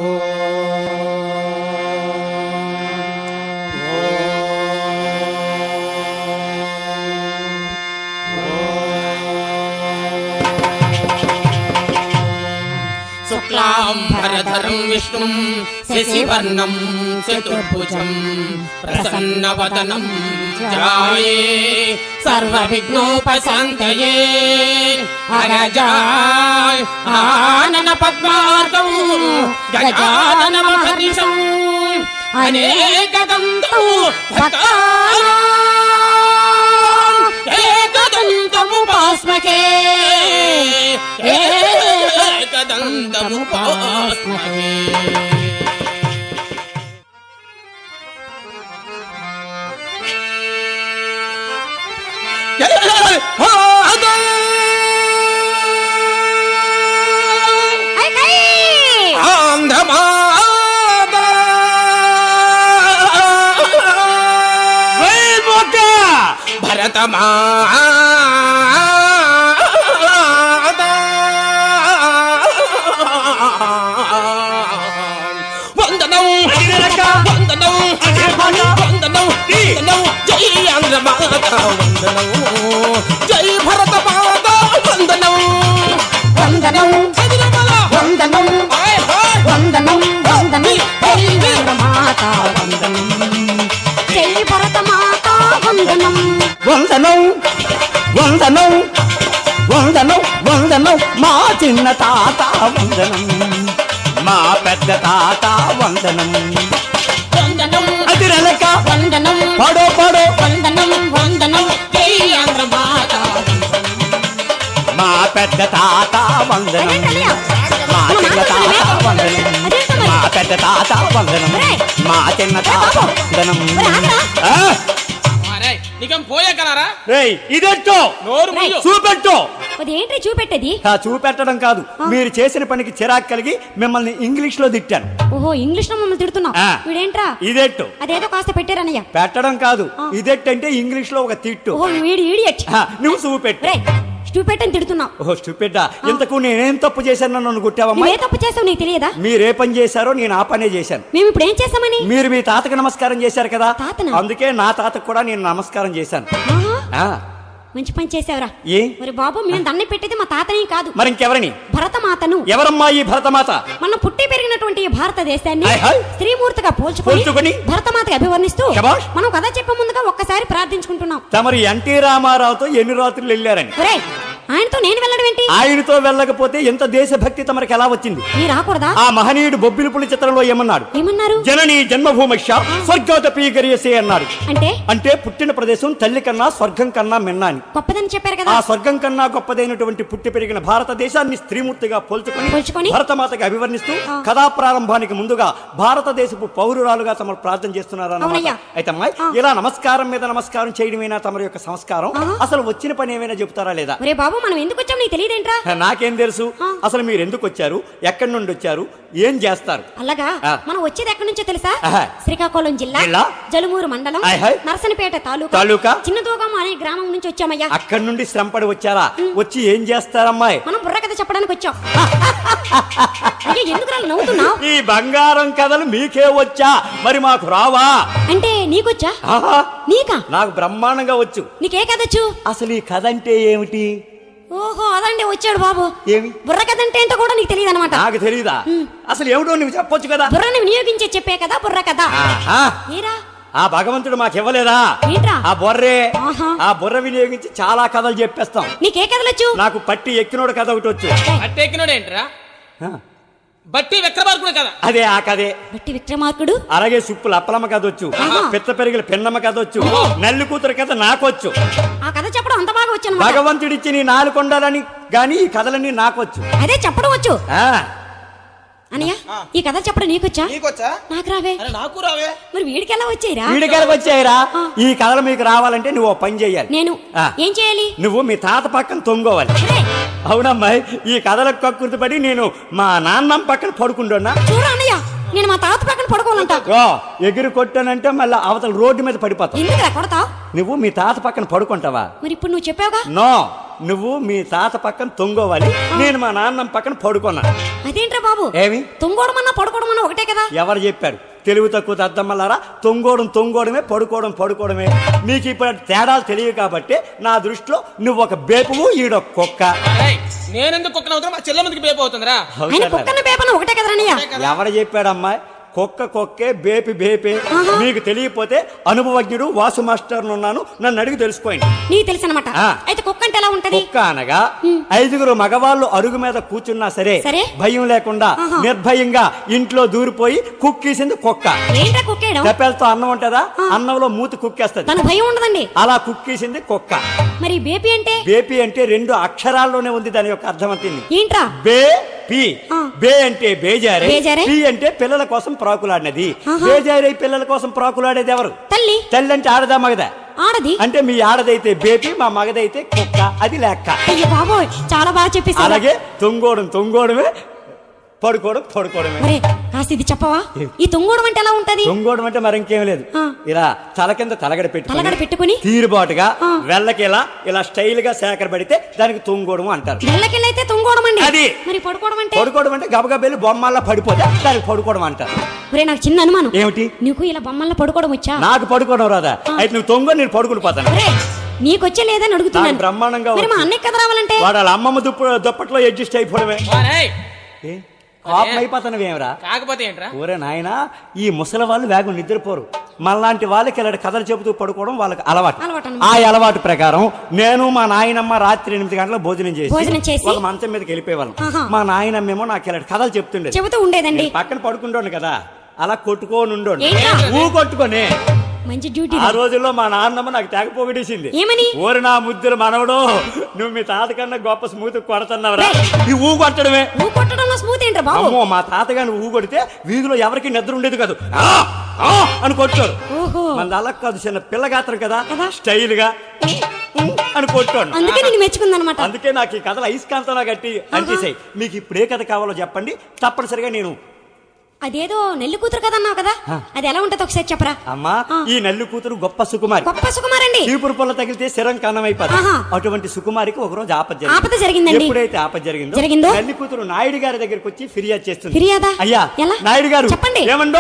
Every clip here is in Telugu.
శుక్లాంబరధరం విష్ణుం శశివర్ణం చతుర్భుజం ప్రసన్నవదనం ధ్యాయే సర్వవిఘ్నోపశాంతయే అరజాయ్ ఆనన పద్మార్గం గజాననమహర్నిశం అనేకదంతం భక్తానాం ఏకదంతముపాస్మకే ఏకదంతముపాస్మకే. భరతమా వందనం వందనం వందనం జై ఆంధ్రమాత వందనం జై భరత మాత వందనం వందనం వందనం వందనం వందనం జై ఆంధ్రమాత వందనం జై భరత మాత వందనం వందనం వందనం వందనం వందనం మా చిన్న తాత వందనం మా పెద్ద తాత వందనం వందనం అదిరలక వందనం పడో పడో వందనం వందనం జై ఆంధ్రమాత మా పెద్ద తాత వందనం మా చిన్న తాత వందనం మా పెద్ద తాత వందనం మా చిన్న తాత వందనం. నీకేం పోయే కలరా ఇదేంటో చూపెట్టు. అదేంటి చూపెట్టేది? చూపెట్టడం కాదు, మీరు చేసిన పనికి చిరాకు కలిగి మిమ్మల్ని ఇంగ్లీష్ లో తిట్టాను. ఓహో, ఇంగ్లీష్ లో మమ్మల్ని తిడుతున్నావు. వీడేంట్రా ఇదెట్టు? అదేదో కాస్త పెట్టారన్నయ్య. పెట్టడం కాదు, ఇదెట్టు అంటే ఇంగ్లీష్ లో ఒక తిట్టు. ఓహో, వీడు ఇడియట్. నువ్వు చూపెట్టు. స్టూపిడ్ అని తిడుతున్నావు. ఓహో స్టూపిడ్. ఇంతకు నేనేం తప్పు చేశాను నన్ను కొట్టావమ్మా? ఏ తప్పు చేసావు నీకు తెలియదా? మీరే పని చేశారో నేను ఆ పనే చేశాను. మేము ఇప్పుడు ఏం చేసామని? మీరు మీ తాతకు నమస్కారం చేశారు కదా, అందుకే నా తాతకు కూడా నేను నమస్కారం చేశాను. మంచి పని చేసావురా. ఏ మరి బాబు, మేము దండం పెట్టేది మా తాతని కాదు, మరి ఇంకెవరిని? భరతమాతను. ఎవరమ్మా ఈ భరతమాత? మనం పుట్టి పెరిగినటువంటి ఈ భారతదేశాన్ని స్త్రీమూర్తిగా పోల్చుకొని భరతమాతకి అభివర్ణిస్తూ మనం కథ చెప్పే ముందుగా ఒక్కసారి ప్రార్థించుకుంటున్నాం. తమరు ఎన్టీ రామారావుతో ఎన్ని రాత్రులు వెళ్ళారని? ఆయనతో నేను వెళ్ళడం ఏంటి? ఆయనతో వెళ్ళకపోతే ఎంత దేశభక్తి తమరికి ఎలా వచ్చింది? నీ రాకూడదా? ఆ మహనీయుడు బొబ్బిలిపులి చిత్రంలో ఏమన్నారు? జననీ జన్మభూమిష్య స్వర్గోదపి గరియసే అన్నాడు. అంటే పుట్టిన ప్రదేశం తల్లి కన్నా స్వర్గం కన్నా మిన్న అని గొప్పదని చెప్పారు కదా. ఆ స్వర్గం కన్నా గొప్పదైనటువంటి పుట్టి పెరిగిన భారతదేశాన్ని స్త్రీమూర్తిగా పోల్చుకొని భరతమాతకి అభివర్ణిస్తూ కథా ప్రారంభానికి ముందుగా భారతదేశపు పౌరురాలుగా తమరు ప్రార్థన చేస్తున్నారు అన్నమాట. అయితే అమ్మాయి, ఇలా నమస్కారం మీద నమస్కారం చేయడమేనా తమరి యొక్క సంస్కారం? అసలు వచ్చిన పని ఏమైనా చెబుతారా లేదా? మనం ఎందుకు వచ్చాం నీకు తెలియదేంట్రా? నాకేం తెలుసు అసలు మీరు ఎందుకు వచ్చారు, ఎక్కడి నుండి వచ్చారు, ఏం చేస్తారు? అలాగా మనం వచ్చేది ఎక్కడి నుంచో తెలుసా? శ్రీకాకుళం జిల్లా జలుమూరు మండలం నర్సనపేట తాలూకా చిన్నదోగం అనే గ్రామం నుంచి వచ్చామయ్యా. అక్కడి నుండి శ్రమపడి వచ్చారా? వచ్చి ఏం చేస్తారమ్మాయి? మనం బుర్ర కథ చెప్పడానికి వచ్చాం. ఎందుకు నవ్వుతున్నావు? ఈ బంగారం కథలు మీకే వచ్చా, మరి మాకు రావా? అంటే నీకొచ్చా? నీకా? నాకు బ్రహ్మాండంగా వచ్చు. నీకే కథ వచ్చు? అసలు ఈ కథ అంటే ఏమిటి? ఓహో, అదండి వచ్చాడు బాబు. ఏమి బుర్ర కథ అంటే ఏంటో కూడా నీకు తెలియదు అనమాట. నాకు తెలియదా? అసలు ఏమిటో నువ్వు చెప్పొచ్చు కదా. బుర్రని వినియోగించే చెప్పే కదా బుర్ర కథ. ఆ భగవంతుడు మాకు ఇవ్వలేదా ఆ బొర్రే? ఆ బుర్ర వినియోగించి చాలా కథలు చెప్పేస్తాం. నీకే కథలు వచ్చు? నాకు పట్టి ఎక్కినోడు కథ ఒకటి వచ్చు. పట్టి ఎక్కినోడు ఏంట్రా? బట్టి విక్రమార్కుడు కదా. అదే ఆ కథే. బట్టి విక్రమార్కుడు. అలాగే సుప్పులు అప్పలమ్మ కథ వచ్చు, పిత్త పెరిగిన పిన్నమ్మ కథ వచ్చు, నల్లి కూతురు కథ నాకొచ్చు. ఆ కథ చెప్పడం అంత బాగా వచ్చు. భగవంతుడిచ్చి నీ నాలుకొండాలని గాని ఈ కథలన్నీ నాకొచ్చు. అదే చెప్పడం వచ్చు. అన్నయ్య, ఈ కథ చెప్పడం నీకొచ్చా? నాకు రావే. నాకు రావే. మరి వీడికెలా వచ్చాయిరా? వీడికెలా వచ్చాయిరా? ఈ కథలు మీకు రావాలంటే నువ్వు పని చెయ్యాలి. నేను ఏం చేయాలి? నువ్వు మీ తాత పక్కన తొంగోవాలి. అవునమ్మాయి, ఈ కథలకు కక్కుర్తి పడి నేను మా నాన్నమ్మ పక్కన పడుకుంటున్నా. చూడు అన్నయ్య, నేను మా తాత పక్కన పడుకోవాలంట. ఎగిరి కొట్టానంటే మళ్ళీ అవతల రోడ్డు మీద పడిపోతావు. ఎందుకు కొడతావు? నువ్వు మీ తాత పక్కన పడుకుంటావా? మరి ఇప్పుడు నువ్వు చెప్పావుగా. నో, నువ్వు మీ తాత పక్కన తొంగోవాలి, నేను మా నాన్న పక్కన పడుకున్నాను. అదేంట్రా బాబు, ఏమి తొంగోడమన్నా పడుకోవడమన్నా ఒకటే కదా? ఎవరు చెప్పారు? తెలివి తక్కువ అద్దమ్మలారా, తొంగోవడమే, పడుకోవడమే. మీకు ఇప్పుడు తేడాలు తెలియదు కాబట్టి నా దృష్టిలో నువ్వు ఒక బేపువు, ఈడొక కుక్క. నేనెందుకు కుక్కన అవుతున్నా? మా చెల్లెమ్మకి బేపు అవుతుందిరా. ఆయన కుక్కన బేపన ఒకటే కదరా? ఎవరు చెప్పాడమ్మా? కుక్కే, బేపే. మీకు తెలియకపోతే అనుభవజ్ఞుడు వాసు మాస్టర్ ఉన్నాను, నన్ను అడిగి తెలుసుకోండి. నీకు తెలుసు అనమాట. అయితే కుక్క అంటే ఎలా ఉంటది? కుక్క అనగా 5 మగవాళ్ళు అరుగు మీద కూర్చున్నా సరే భయం లేకుండా నిర్భయంగా ఇంట్లో దూరిపోయి కుక్కేసింది కుక్క. ఏంట్రా కుక్కేయడం? తెప్పలతో అన్నం ఉంటదా, అన్నంలో మూతి కుక్కేస్తుంది, తన భయం ఉండదండి. అలా కుక్కేసింది కుక్క. మరి బేపీ అంటే? బేపీ అంటే 2 అక్షరాల్లోనే ఉంది దాని యొక్క అర్థం అంతింది. ఏంట్రా? బే అంటే బేజారే, పి అంటే పిల్లల కోసం ప్రాకులాడినది. బేజారే పిల్లల కోసం ప్రాకులాడేది ఎవరు? తల్లి. తల్లి అంటే ఆడదా మగదా? ఆడది. అంటే మీ ఆడదైతే బేపీ, మా మగదైతే కుక్క, అది లెక్క. అయ్యో బాబోయ్, చాలా బాగా చెప్పేసి. అలాగే తొంగోవడమే, పడుకోవడమే. మరి కాస్త ఇది చెప్పవా? ఈ తొంగోడం అంటే ఎలా ఉంటది? తొంగోవడం అంటే మరి ఇంకేం లేదు, ఇలా తల కింద తలగడ పెట్టుకుని తీరుబాటుగా వెళ్ళకిలా ఇలా స్టైల్ గా సేకరబడితే దానికి తొంగోవడం అంటారు. వెళ్ళకిలైతే తొంగోవడం అండి. అది. మరి పడుకోవడం అంటే గబగబెల్లి బొమ్మల్లా పడిపోతే దానికి పడుకోవడం అంటారు. ఒరే, నాకు చిన్న అనుమానం. ఏమిటి? నీకు ఇలా బొమ్మల్లా పడుకోవడం వచ్చా? నాకు పడుకోవడం రాదా? అయితే నువ్వు తొంగో, నేను పడుకుని పోతాను. నీకొచ్చే లేదని అడుగుతున్నాను. బ్రహ్మాండంగా. మరి మా అన్నయ్య కదా రావాలంటే వాడు వాళ్ళ అమ్మమ్మ దుప్పట్లో అడ్జస్ట్ అయిపోవడమే. అయిపోతానవేమరా? కాకపోతే ఏంట్రా? ఊరే నాయన, ఈ ముసలి వాళ్ళు వేగం నిద్రపోరు. మనలాంటి వాళ్ళకి ఇలాంటి కథలు చెబుతూ పడుకోవడం వాళ్ళకి అలవాటు. ఆ అలవాటు ప్రకారం నేను మా నాయనమ్మ రాత్రి 8 గంటలకు భోజనం చేసి ఒక మంచం మీదకి వెళ్ళిపోయేవాళ్ళం. మా నాయనమ్మేమో నాకు ఇలాంటి కథలు చెబుతూ ఉండేదండి. పక్కన పడుకుంటాను కదా, అలా కొట్టుకోని కొట్టుకొని మంచి డ్యూటీ. ఆ రోజుల్లో మా నాన్నమ్మ నాకు తెగ పొగిడేసింది. ఏమని? ఓరి నా ముద్దులు మనవడు, నువ్వు మీ తాత కన్నా గొప్ప స్మూత్ కొడుతున్నావురా. ఈ ఊ కొట్టడమే. అమ్మో, మా తాతగాని ఊ కొడితే వీధిలో ఎవరికి నిద్ర ఉండేది కాదు, అని కొట్టారు. మన అలా కాదు, చిన్న పిల్లగాత్రం కదా, స్టైల్ గా అని కొట్టాడు. అందుకే నాకు ఈ కథలు అయస్కాంతంగా గట్టి అంటేసాయి. మీకు ఇప్పుడు ఏ కథ కావాలో చెప్పండి, తప్పనిసరిగా నేను. అదేదో నెల్లి కూతురు కదా అన్నావు కదా, అది ఎలా ఉంటది ఒకసారి చెప్పరా? అమ్మా, ఈ నెల్లి కూతురు గొప్ప సుకుమారి. అండి. చీపురు పొల్ల తగిలితే శరం కన్నమైపోతుంది. అటువంటి సుకుమారికి ఒక రోజు ఆపద జరిగిందండి. ఎప్పుడైతే ఆపద జరిగిందో నెల్లి కూతురు నాయుడు గారి దగ్గరికి వచ్చి ఫిర్యాదు చేస్తుంది. అయ్యా నాయుడు గారు, చెప్పండి. ఏమండో,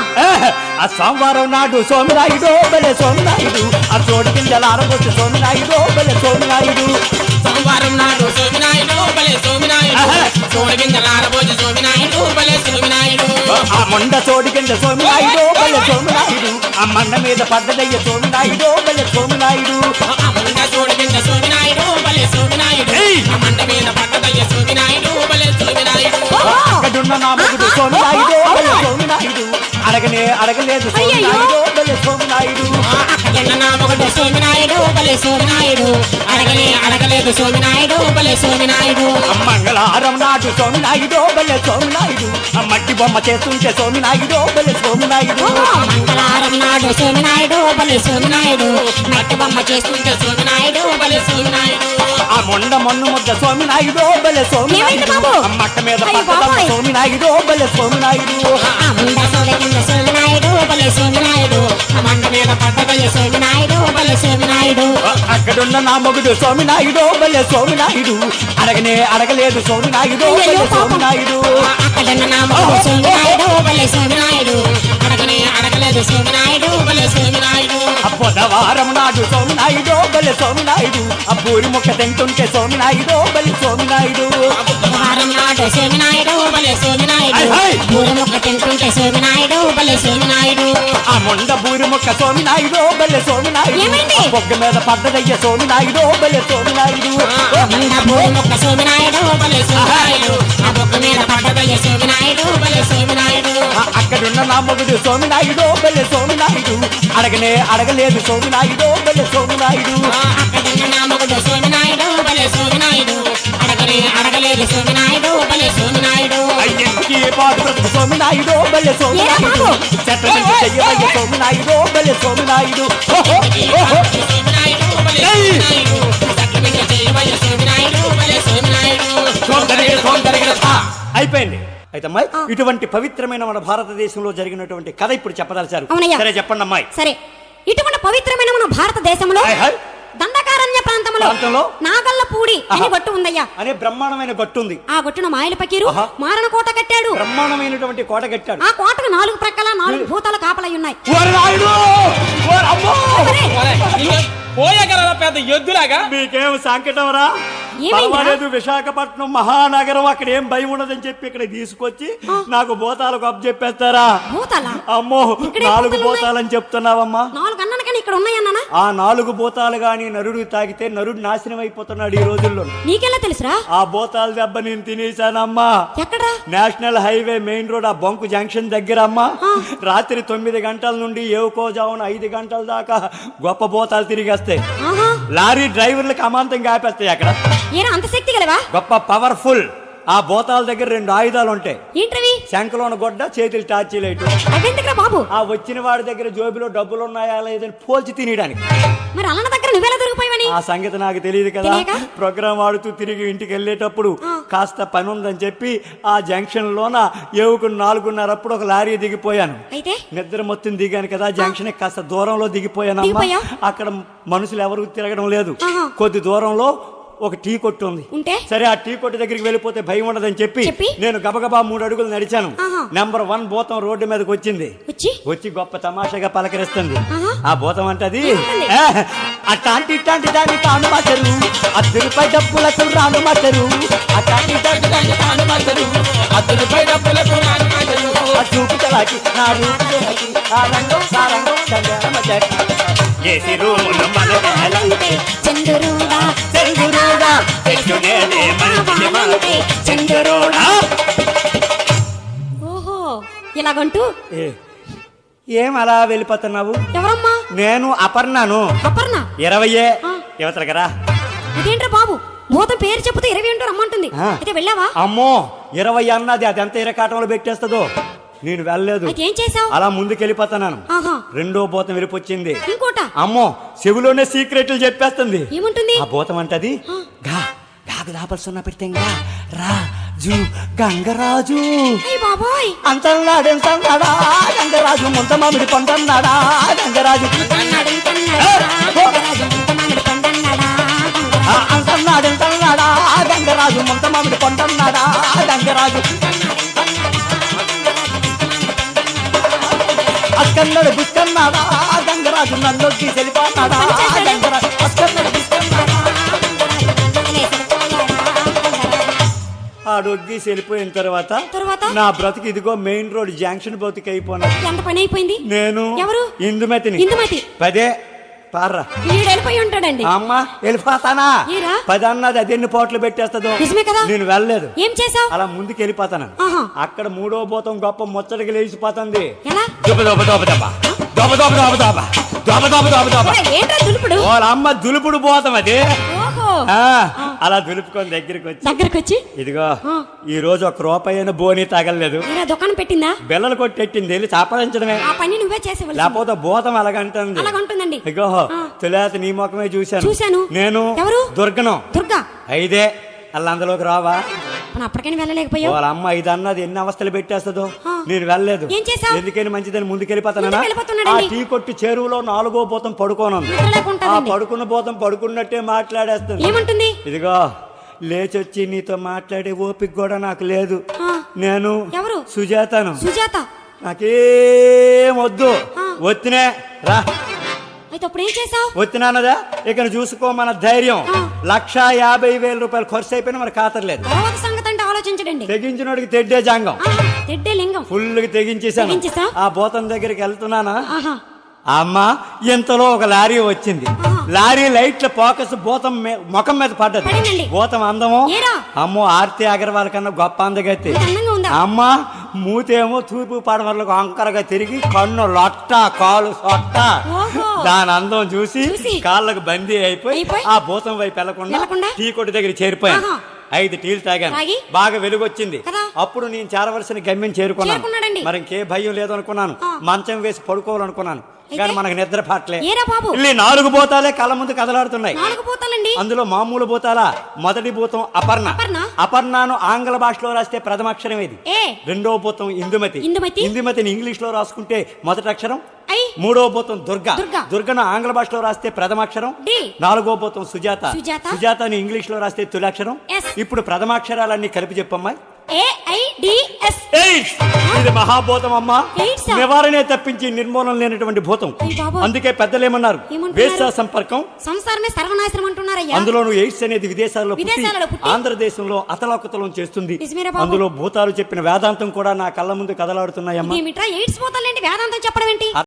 ఆ సోమవారం నాడు సోమినాయుడు బలే సోమినాయుడు, ఆ చోటు కింద ఆరబొచ్చు సోమినాయుడు బలే సోమినాయుడు. సోమవారం నాడు సోమినాయుడు బలే సోమినాయుడు, చోటు కింద ఆరబొచ్చు సోమినాయుడు బలే సోమినాయుడు. ఆ మొండ చోటు కింద సోమినాయుడు బలే సోమినాయుడు, ఆ మండ మీద పడ్డదయ్య సోమినాయుడు బలే సోమినాయుడు. ఆ మొండ చోటు కింద సోమినాయుడు బలే సోమినాయుడు, ఆ మండ మీద పడ్డదయ్య సోమినాయుడు బలే సోమినాయుడు. అక్కడున్న నా మొగుడు సోమినాయుడు బలే సోమినాయుడు, అడగలేదు సోమినాయుడు బలే సోమినాయుడు. అక్కడున్న నా మొగుడు సోమినాయుడు బలే సోమినాయుడు, అడగలేదు సోమినాయుడు బలే సోమినాయుడు. మంగళవారం నాడు సోమినాయుడు బలే సోమినాయుడు, ఆ మట్టి బొమ్మ చేస్తుంటే సోమినాయుడు బలే సోమినాయుడు. మంగళవారం నాడు సోమినాయుడు బలే సోమినాయుడు, మట్టి బొమ్మ చేస్తుంటే సోమినాయుడు బలే సోమినాయుడు. ఆ మొన్ను ముద్ద సోమినాయుడు బలే సోమినాయుడు, ఆ మట్ట మీద పట్టదమ్మ సోమినాయుడు బలే సోమినాయుడు. సోమినాయుడు బలే సోమినాయుడు, ఆ మంట మీద పడ్డదయ్య సోమినాయుడు బలే సోమినాయుడు. అక్కడున్న నా మొగుడు సోమినాయుడు బలే సోమినాయుడు, అడగలేదు సోమినాయుడు బలే సోమినాయుడు. అక్కడున్న నా మొగుడు సోమినాయుడు బలే సోమినాయుడు, అడగలేదు సోమినాయుడు బలే సోమినాయుడు. బుధవారం నాడు సోమినాయుడు బలే సోమినాయుడు, ఆ పూరి ముక్క తింటుంటే సోమినాయుడు బలే సోమినాయుడు. బుధవారం నాడు సోమినాయుడు బలే సోమినాయుడు, పూరి ముక్క తింటుంటే సోమినాయుడు బలే సోమినాయుడు. ఆ మొండ పూరి ముక్క సోమినాయుడు బలే సోమినాయుడు, బొగ్గ మీద పడ్డదయ్య సోమినాయుడు బలే సోమినాయుడు. పూరి ముక్క సోమినాయుడు బలే సోమినాయుడు, ఆ బొగ్గ మీద పడ్డదయ్య సోమినాయుడు బలే సోమినాయుడు. అక్కడున్న నా మొగుడు సోమినాయుడు బలే సోమినాయుడు, అడగలేదు సోమినాయుడు బలే సోమినాయుడు. అక్కడున్న నా మొగుడు సోమినాయుడు బలే సోమినాయుడు, అడగలేదు సోమినాయుడు బలే సోమినాయుడు. అయ్యకి పాటు బ్రతుకు సోమినాయుడు బలే సోమినాయుడు, చెట్ల నుంచి చెయ్యవయ్య సోమినాయుడు బలే సోమినాయుడు. అయిపోయింది. అయితే అమ్మాయి, ఇటువంటి పవిత్రమైన మన భారతదేశంలో జరిగినటువంటి కథ ఇప్పుడు చెప్పదలిచారు. సరే చెప్పండి అమ్మాయి. సరే, ఇటువంటి పవిత్రమైన మన భారతదేశంలో దండకారణ్య ప్రాంతంలో నాగల్లపూడి అనే గట్టు ఉందయ్యా. అనే బ్రహ్మాండమైన గట్టు ఉంది. ఆ గట్టును మాయల పకీరు మారణ కోట కట్టాడు. బ్రహ్మాండమైనటువంటి కోట కట్టాడు. ఆ కోటకు 4 ప్రక్కల 4 భూతాలు కాపలై ఉన్నాయి. పోయగలరా పెద్ద ఎద్దులాగా? మీకేం సంకటం రా? పర్వాలేదు, విశాఖపట్నం మహానగరం, అక్కడ ఏం భయం ఉండదని చెప్పి ఇక్కడ తీసుకొచ్చి నాకు భూతాలకు అప్పు చెప్పేస్తారా? అమ్మో, 4 భూతాలని చెప్తున్నావమ్మా. 4 అన్నాను ఇక్కడ ఉన్నాయన్నా. ఆ 4 భూతాలు గాని నరుడు తాగితే నరుడు నాశనం అయిపోతున్నాడు ఈ రోజుల్లో. నీకెలా తెలుసురా? ఆ భూతాల దెబ్బ నేను తినేసానమ్మా. ఎక్కడా? నేషనల్ హైవే మెయిన్ రోడ్, ఆ బొంకు జంక్షన్ దగ్గర అమ్మా. రాత్రి 9 గంటల నుండి ఏవుకోజామున 5 గంటల దాకా గొప్ప భూతాలు తిరిగేస్తాయి. లారీ డ్రైవర్లకు అమాంతంగా ఆపేస్తాయి. అక్కడ అంత శక్తి గలవా? గొప్ప పవర్ఫుల్. ఆ భూతాల దగ్గర 2 ఆయుధాలు ఉంటాయి. ఏంటవి? శంఖలోన గొడ్డ, చేతులు టార్చీ లైట్. బాబు, ఆ వచ్చిన వాడి దగ్గర జోబిలో డబ్బులు ఉన్నాయా లేదని పోల్చి తినడానికి. మరి అన్న దగ్గర నువ్వెలా దొరికిపోయావని? ఆ సంగతి నాకు తెలియదు కదా. ప్రోగ్రామ్ ఆడుతూ తిరిగి ఇంటికి వెళ్ళేటప్పుడు కాస్త పని ఉందని చెప్పి ఆ జంక్షన్ లోన ఏవుకు 4:30 ఒక లారీ దిగిపోయాను. నిద్ర మొత్తం దిగాను కదా, జంక్షన్ కాస్త దూరంలో దిగిపోయాను. అక్కడ మనుషులు ఎవరు తిరగడం లేదు. కొద్ది దూరంలో ఒక టీ కొట్టు ఉంది. సరే, ఆ టీ కొట్టు దగ్గరికి వెళ్ళిపోతే భయం ఉండదని చెప్పి నేను గబగబా 3 అడుగులు నడిచాను. నెంబర్ 1 భూతం రోడ్డు మీదకి వచ్చింది. వచ్చి గొప్ప తమాషాగా పలకరిస్తుంది. ఆ భూతం అంటది, అట్లాంటి ఇట్లాంటి దాన్ని కాను మాటరు, 10 రూపాయల డబ్బులకు రాను మాటరు, అట్లాంటి ఇట్లాంటి దాన్ని కాను మాటరు, 10 రూపాయల డబ్బులకు రాను మాటరు, ఆ చూపు చలాకి నా రూపు చలాకి ఆ రంగం సారంగం చేసి రూములు మనకే చంద్రుడా చంద్రుడా చెట్టునేనే మంచి మాటే చంద్రుడా. ఓహో, ఇలాగంటూ ఏం అలా వెళ్ళిపోతున్నావు? ఎవరమ్మా? నేను అపర్ణను. అపర్ణ 20 యువతలకరా. అదేంట్రా బాబు, భూతం పేరు చెప్తే 20 అంటూ రమ్మంటుంది. అయితే వెళ్ళావా? అమ్మో, 20 అన్నది అది ఎంత ఇరకాటంలో పెట్టేస్తుందో. నేను వెళ్ళలేదు. ఏం చేసావు? అలా ముందుకెళ్ళిపోతున్నాను. 2వ భూతం వెళ్ళిపోయింది. ఇంకోట అమ్మో, చెవిలోనే సీక్రెట్లు చెప్పేస్తుంది. ఏముంటుంది? ఆ భూతం అంటది, గాగు దాపల్సున్న పెట్టంగా రాజు గంగరాజు అంతన్నాడా గంగరాజు, ముంత మామిడి పంటన్నాడా గంగరాజు, అంతన్నాడా గంగరాజు, ముంత మామిడి పంటన్నాడా గంగరాజు, అక్కన్నాడు బుక్కన్నాడా గంగరాజు, నన్ను తెలిపాడా గంగరాజు, అక్కన్నాడు బుక్కన్నాడా. ఆడొగ్గి వెళ్ళిపోయిన తర్వాత నా బ్రతుకు ఇదిగో మెయిన్ రోడ్ జంక్షన్ బ్రతుకు అయిపోయినా. ఎంత పని అయిపోయింది? నేను ఎవరు? ఇందుమతిని. 10 పార్రా వెళ్ళిపోయి ఉంటాడండి. అమ్మా, వెళ్ళిపోతానా? 10 అన్నది అది ఎన్ని పోట్లు పెట్టేస్తుందో. నేను వెళ్ళలేదు. ఏం చేసావు? అలా ముందుకు వెళ్ళిపోతాను. అక్కడ 3వ భూతం గొప్ప ముచ్చటకి లేచిపోతుంది. వాళ్ళ అమ్మ దులుపుడు పోతాం అది. అలా దులుపుకొని దగ్గరికి వచ్చి ఇదిగో ఈ రోజు 1 రూపాయి బోని తగలలేదు. దుకాణం పెట్టిందా? బెల్లలు కొట్టెట్టింది, వెళ్ళి చాపడించడమే. లేకపోతే భూతం అలాగంటుంది. ఇగో తొలేత నీ ముఖమే చూశాను. నేను దుర్గను. దుర్గా 5 అందులోకి రావా? అప్పటికైనా వెళ్ళలేకపోయావు. వాళ్ళ అమ్మ 5 అన్నది ఎన్ని అవస్థలు పెట్టేస్తుందో. నేను వెళ్ళలేదు. ఎందుకని మంచిదని ముందుకెళ్ళిపోతానా? ఆ టీ కొట్టి చెరువులో 4వ భూతం పడుకోనుంది. ఆ పడుకున్న భూతం పడుకున్నట్టే మాట్లాడేస్తుంది. ఏమంటుంది? ఇదిగో లేచొచ్చి నీతో మాట్లాడే ఓపిక కూడా నాకు లేదు. నేను సుజాతను. నాకేం వద్దు, వచ్చినే రా. వచ్చినానదా ఇక చూసుకో. మన ధైర్యం 1,50,000 రూపాయలు ఖర్చు అయిపోయినా మన ఖాతర్లేదు. తెగించినోడికి తెడ్డే జాంగం, ఫుల్ గా తెగించేసాను. ఆ భూతం దగ్గరికి వెళ్తున్నానా, అమ్మా ఇంతలో ఒక లారీ వచ్చింది. లారీ లైట్ల ఫోకస్ భూతం ముఖం మీద పడ్డది. భూతం అందము అమ్మో ఆర్తి అగర్వాల్ కన్నా గొప్ప అందగైతే. అమ్మా మూతేమో తూర్పు పడమరలకు అంకరగా తిరిగి, కన్ను లొట్ట, కాలు సొట్ట. దాని అందం చూసి కాళ్ళకు బందీ అయిపోయి ఆ భూతం వైపు వెళ్లకుండా టీ కొట్టు దగ్గర చేరిపోయాను. 5 టీలు తాగాను. బాగా వెలుగొచ్చింది. అప్పుడు నేను చేరవలసిన గమ్యం చేరుకున్నాను. మరి ఇంకే భయం లేదు అనుకున్నాను. మంచం వేసి పడుకోవాలనుకున్నాను. కానీ మనకు నిద్ర పట్టలే. 4 భూతాలే కళ్ళ ముందు కదలాడుతున్నాయి. అందులో మామూలు భూతాల మొదటి భూతం అపర్ణ. అపర్ణను ఆంగ్ల భాషలో రాస్తే ప్రథమ అక్షరం ఇది. 2వ భూతం ఇందుమతి. ఇందుమతిని ఇంగ్లీష్ లో రాసుకుంటే మొదటి అక్షరం ఐ. మూడో భూతం దుర్గ. దుర్గ. దుర్గను ఆంగ్ల భాషలో రాస్తే ప్రథమాక్షరం. డి. నాలుగో భూతం సుజాత. సుజాత. సుజాతని ఇంగ్లీష్ లో రాస్తే తొలాక్షరం. ఎస్. ఇప్పుడు ప్రథమాక్షరాలన్నీ కలిపి చెప్పమ్మా. AIDS. ఎయిడ్స్. ఇది మహాభూతం అమ్మా. ఎయిడ్స్. నివారణే తప్పించి నిర్మూలన లేనటువంటి భూతం. అయ్ బాబోయ్. అందుకే పెద్దలు ఏమన్నారు, ఏమంటున్నారు? వేశ్య సంపర్కం, సంసారమే సర్వనాశనం అంటున్నారయ్యా. అందులోను ఎయిడ్స్ అనేది విదేశాల్లో విదేశాలలో పుట్టి ఆంధ్రదేశంలో అతలాకుతలం చేస్తుంది. నిజమేరా బాబు? అందులో భూతాలు చెప్పిన వేదాంతం కూడా నా కళ్ళ ముందు కదలాడుతున్నాయమ్మా. ఏమిట్రా ఎయిడ్స్ పోతాలేంటి వేదాంతం చెప్పడం ఏంటి?